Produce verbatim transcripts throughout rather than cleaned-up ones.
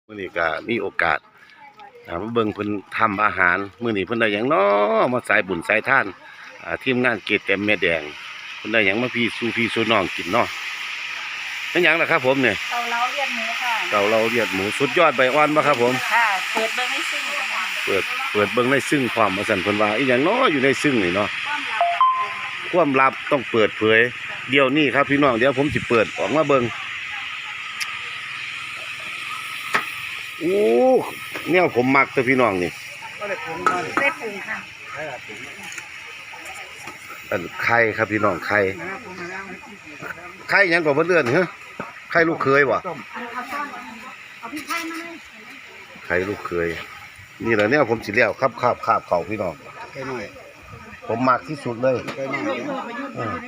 มื้อนี้ก็มีโอกาสอ่ามาเบิ่งเพิ่นทำอาหารมื้อนี้เพิ่นได้หยังน้อมาสายบุญสายทานอ่าทีมงานเกตแต้มแม่แดงเพิ่นได้หยังมาพี่สู่พี่สู่น้องกินเนาะเป็นหยังล่ะครับผมเนี่ยเกาเหลาเลียดหมูค่ะเกาเหลาเลียดหมูสุดยอดใบอ่อนบ่ครับผมค่ะ เปิดเบอร์ไม่ซิ่งค่ะเปิดเปิดเบิ่งในซึ่งความว่าซั่นเพิ่นว่าอีหยังน้ออยู่ในซึ่งนี่เนาะความลับค่ะความลับต้องเปิดเผยเดี๋ยวนี้ครับพี่น้องเดี๋ยวผมสิเปิดออกมาเบิ่งโอ้แนวผมมักแต่พี่น้องนี่ได้ปรุงค่ะอันไข่ครับพี่น้องไข่ไข่หยังก็บ่เลื่อนเหรอไข่ลูกเคยบ่เอาเอาซ่อนเอาพี่ไข่มาเลยไข่ลูกเคยนี่แหละเนี่ยผมสิแล้วครับคาบคาบเขาพี่น้องไก่หน่อยผมมักที่สุดเลยไก่หน่อยเออ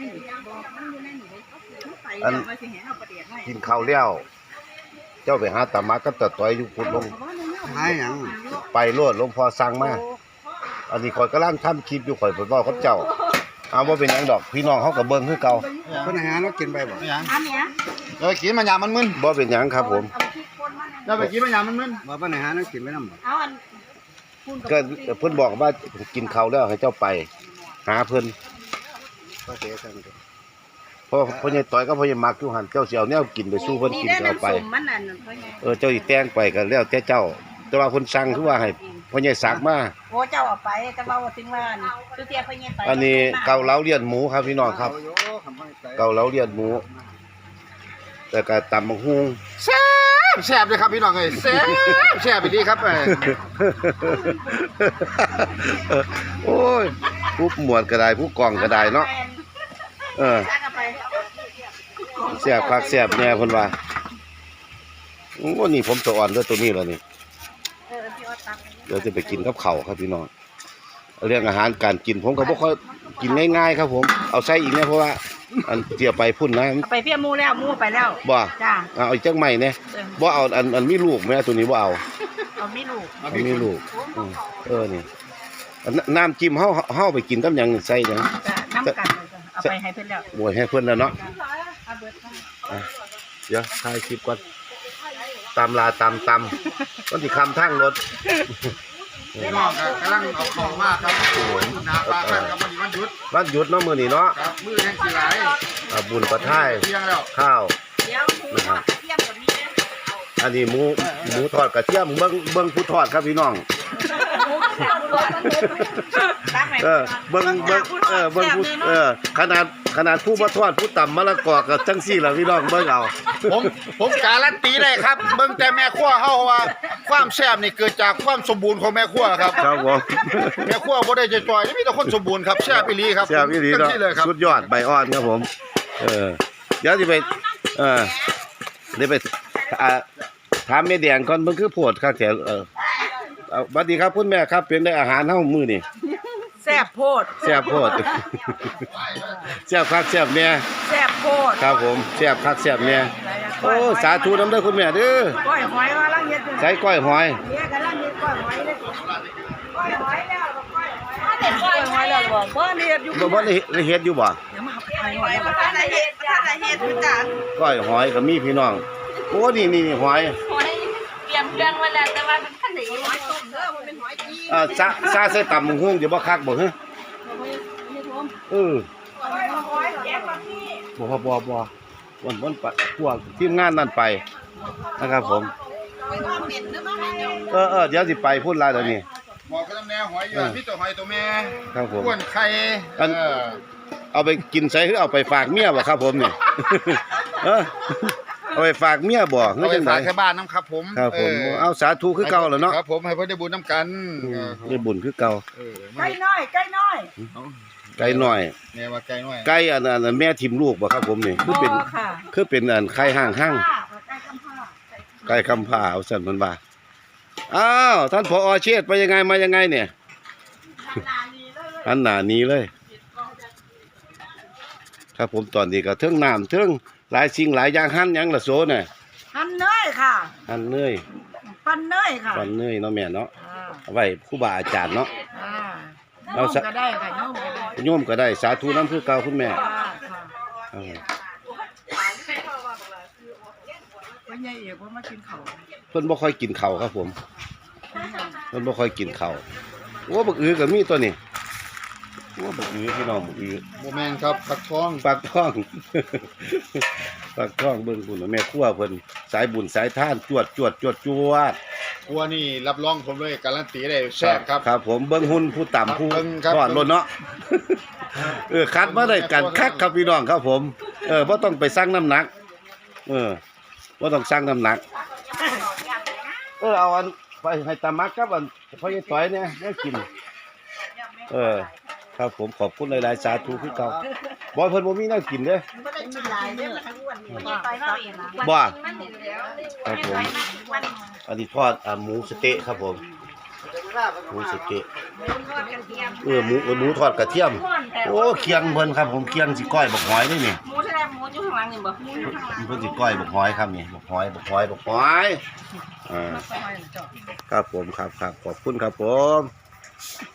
อันกินข้าวแล้วเจ้าไปหาตามาก็ตะต้อยอยู่พุ่นลงหายหยังไปโลดหลวงพ่อสั่งมาอันนี้ข่อยกำลังทำคลิปอยู่ข่อยไปเว้ากับเจ้าเอาบ่เป็นหยังดอกพี่น้องเฮาก็เบิ่งคือเก่าเพิ่นอาหารเรากินไปบ่หยังอันเนี้ยเรากินมันยามันมึนบ่เป็นหยังครับผมเอาพริกป่นมาเลยเราไปกินมันยามันมึนว่าเพิ่นอาหารเรากินไปนำบ่เอาอันคุณก็เพิ่นบอกว่ากินข้าวแล้วให้เจ้าไป หาเพิ่นก็เสียซั่นก็เพราะพ่อใหญ่ต่อยก็พ่อใหญ่มักอยู่หั่นเจ้าสิเอาแนวกินไปสู้เพิ่นกินก็เอาไปมันนั่นเพราะไงเออเจ้าสิแต่งไปก็แล้วแต่เจ้า แต่ว่าเพิ่นสั่งคือว่าให้พ่อใหญ่สักมาโอ้เจ้าเอาไปแต่ว่าว่าถึงว่าสุเตียพะเนียไปอันนี้เกาเหลาเลียนหมูครับพี่น้องครับเอาอยู่คำว่าไก่เกาเหลาเลียนหมูแล้วก็ตำบักหุ่งแซ่บแซ่บเลยครับพี่น้องเอ้ยแซ่บแซ่บอีหลีครับเอ้ยโอ้ยผู้หมวดก็ได้ผู้กองก็ได้เนาะเออซักเอาไปแซ่บคักแซ่บแน่เพิ่นว่าโอ้นี่ผมสะอ่อนด้วยตัวนี้แล้วนี่เออพี่ออดตักเดี๋ยวจะไปกินกับข้าวครับพี่น้องเรื่องอาหารการกินผมก็บ่ค่อยกินง่ายๆครับผมเอาใส่อีกเนี่ยเพราะว่าอันเจียไปพุ่นนะเอาไปเพี้ยมูแล้วมูไปแล้วบ่จ้าเอาอีกจังใหม่เนี่ยบ่เอาอันอันมีลูกแม่ตัวนี้บ่เอาเอาไม่ลูกอันมีลูกอืมเออนี่อันนน้ำจิ้มเฮาเฮาไปกินกับหยังใส่หยังจ้ะน้ำกันเลยจ้ะเอาไปให้เพื่อนแล้วบวยให้เพิ่นแล้วเนาะเอาเบิดค่ะอ่ะเดี๋ยวถ่ายคลิปก่อนตามลาตามตำมันสิคำทางรถพี่น้องก็กำลังเอาของมาครับหน้าปลาครับมันวันหยุดวันหยุดเนาะมื้อนี้เนาะครับมื้อแห่งสิหลายอ่าบุญประท่ายเที่ยงแล้วข้าวเดี๋ยวหมูทอดเทียมกับนี้นะอันนี้หมูหมูทอดกระเทียมเบิ่งเบิ่งผู้ทอดครับพี่น้องตักให้เออเบิ่งเบิ่งเออเบิ่งผู้เออขนาดขนาดผู้บ่ทอดผู้ตำมะละกอก็จังซี่ล่ะพี่น้องเบิ่งเอาผมผมการันตีได้ครับเบิ่งแต่แม่ครัวเฮาว่าความแซ่บนี่เกิดจากความสมบูรณ์ของแม่ครัวครับครับผมแม่ครัวบ่ได้จะจ่อยมีแต่คนสมบูรณ์ครับแซ่บอีหลีครับแซ่บอีหลีเต็มเนาะที่เลยครับสุดยอดใบอ่อนครับผม เออเดี๋ยวสิไปเออเดี๋ยวไปอ่าถามแม่แดงก่อนเบิ่งคือโพดครับแถวเออเอาสวัสดีครับคุณแม่ครับเป็นได้อาหารเฮามื้อนี่แซ่บโพดแซ่บโพด แซ่บคักแซ่บแน่แซ่บโพดครับผมแซ่บคักแซ่บแน่โอ้สาธุนำเด้อคุณแม่เด้อก้อยหอยว่าลังเฮ็ดอยู่ใส่ก้อยหอยเนี่ยกำลังเฮ็ดก้อยหอยเลยก้อยหอยแล้วก้อยหอยถ้าเด็ดก้อยหอยแล้วบ่บ่เฮ็ดอยู่บ่บ่ได้เฮ็ดอยู่บ่เดี๋ยวมาหาหอยมาถ้าได้เฮ็ดถ้าได้เฮ็ดจ้ะก้อยหอยก็มีพี่น้องโอ้นี่นี่หอยหอยเตรียมเครื่องไว้แล้วแต่ว่ามันขันหนีหอยต้มเด้อมันเป็นหอยจีอ่าซาซาใส่ตำบักหุ่งสิบ่คักบ่ฮะเออหอยหอยแกงบะหมี่บ่บ่บ่บ่วันวันปะพวกทีมงานนั่นไปนะครับผมหอยว่าเหม็นหรือบ่เหม็นเนาะเออเออเดี๋ยวสิไปพูดลาเดี๋ยวนี้บอกกับแม่หอยอยู่มีแต่หอยตัวแม่ครับผมอ้วนไข่อันเออเอาไปกินใส่หรือเอาไปฝากเมียบ่ครับผมนี่ เออเอาไปฝากเมียบ่เอาเฮือไปจังไดฝากแค่บ้านน้ำครับผมครับผมเออเอาสาธุคือเก่าแล้วเนาะครับผมให้เพิ่นได้บุญน้ำกันอืเอมอได้บุญคือเก่าเออไก่น้อยไก่น้อยไก่น้อยแม่ว่าไก่น้อยไก่อันอันแม่ทิมลูกบ่ครับผมนี่คือเป็นบ่ค่ะคือเป็นอันไข่ห้างห้างไก่กำพร้าไก่คำผ่าเอาสั่นมันว่าอ้าวท่านผอเชษฐ์ไปยังไงมายังไงเนี่ยอันหนานี้เลย ครับผมตอนนี้ก็เทิงน้ำเทิงหลายสิ่งหลายอย่างหั่นหยังละโซเนี่ยหั่นเนยค่ะหั่นเนยปั้นเนยค่ะปั่นเนยเนาะแม่เนาะอ่าเอาไว้ครูบาอาจารย์เนาะอ่าเอาโยมสักก็ได้ค่ะโยมก็ได้โยมก็ได้สาธุน้ำคือเก่าคุณแม่ค่ะค่ะเอาพใหญ่เอกว่ามากินข้าวเพิ่นบ่ค่อยกินข้าวครับผมเพิ่นบ่ค่อยกินข้าวโอ้บักอือก็มีตัวนี้โอ้บักอือพี่น้องบักอือโมแมนครับผักทองปากท้อง ปากท้องเบิ่งพุ่นน่ะแม่ครัวเพิ่นสายบุญสายทานจวดจวดจวดจวดครัวนี่รับรองผมเลยการันตีได้แซ่บครับครับผมเบิ่งหุ่นผู้ต่ำผู้เบิ่งครับทอดล้นเนาะ เออคัดมาได้กันคักครับพี่น้องครับผม เออบ่ต้องไปสั่งน้ำหนัก เออบ่ต้องสั่งน้ำหนัก เออเอาอันไปให้ตามักครับอันพ่อใหญ่ต้อยเนี่ยได้กิน เออ ครับผมขอบคุณหลายๆสาธุคือเก่าบ่เพิ่นบ่มีแนวกินเด้อไม่ได้กินหลายเด้อทั้งอ้วนนี่ไปมาเองนะบ่มันเห็นแล้วครับผม อันนี้ทอดอ่าหมูสะเต๊ะครับผมหมูสะเต๊ะทอดกระเทียมเออหมูเออหมูทอดกระเทียม โอ้เคียงเพิ่นครับผมเคียงสิก้อยบักหอยนี่นี่หมูแสดงหมูอยู่ข้างหลังนี่บ่หมูอยู่ข้างหลังเพิ่นสิก้อยบักหอยครับนี่บักหอยบักหอยบักหอยอ่าครับผมครับครับขอบคุณครับผม